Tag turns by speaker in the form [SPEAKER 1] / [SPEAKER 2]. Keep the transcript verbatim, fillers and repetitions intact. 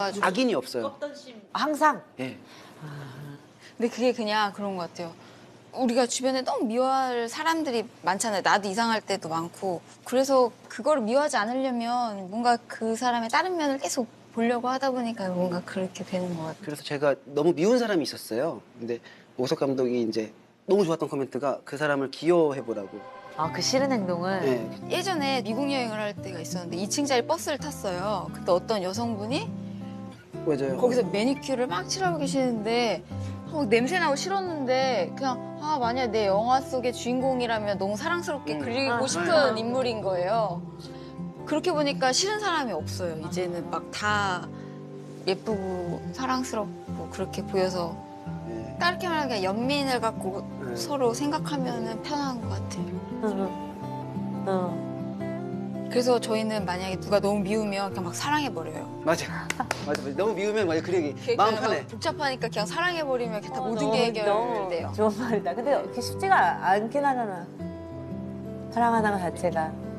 [SPEAKER 1] 악인이 없어요.
[SPEAKER 2] 항상.
[SPEAKER 1] 예.
[SPEAKER 3] 근데 그게 그냥 그런 것 같아요. 우리가 주변에 너무 미워할 사람들이 많잖아요. 나도 이상할 때도 많고. 그래서 그거를 미워하지 않으려면 뭔가 그 사람의 다른 면을 계속 보려고 하다 보니까 뭔가 그렇게 되는 것 같아요.
[SPEAKER 1] 그래서 제가 너무 미운 사람이 있었어요. 근데 오석 감독이 이제 너무 좋았던 코멘트가 그 사람을 기여해보라고.
[SPEAKER 2] 아, 그 싫은 행동을.
[SPEAKER 1] 예.
[SPEAKER 3] 예전에 미국 여행을 할 때가 있었는데 이 층짜리 버스를 탔어요. 그때 어떤 여성분이
[SPEAKER 1] 맞아요.
[SPEAKER 3] 거기서 매니큐어를 막 칠하고 계시는데 어, 냄새 나고 싫었는데 그냥 아 만약 내 영화 속의 주인공이라면 너무 사랑스럽게
[SPEAKER 1] 음.
[SPEAKER 3] 그리고
[SPEAKER 2] 아,
[SPEAKER 3] 싶은
[SPEAKER 1] 아.
[SPEAKER 3] 인물인 거예요. 그렇게 보니까 싫은 사람이 없어요. 이제는 막 다 예쁘고 사랑스럽고 그렇게 보여서
[SPEAKER 1] 예.
[SPEAKER 3] 다르게 말하면 연민을 갖고
[SPEAKER 1] 네.
[SPEAKER 3] 서로 생각하면 편한 것 같아요.
[SPEAKER 2] 응. 응.
[SPEAKER 3] 그래서 저희는 만약에 누가 너무 미우면 그냥 막 사랑해버려요.
[SPEAKER 1] 맞아. 맞아. 맞아. 너무 미우면 맞아. 그러기
[SPEAKER 3] 그러니까
[SPEAKER 1] 마음
[SPEAKER 3] 막
[SPEAKER 1] 편해.
[SPEAKER 3] 복잡하니까 그냥 사랑해버리면 그냥 다
[SPEAKER 2] 어,
[SPEAKER 3] 모든
[SPEAKER 2] 너무,
[SPEAKER 3] 게
[SPEAKER 2] 너무
[SPEAKER 3] 해결돼요.
[SPEAKER 2] 좋은 말이다. 근데 그렇게 쉽지가 않긴 하잖아. 사랑하는 것 자체가.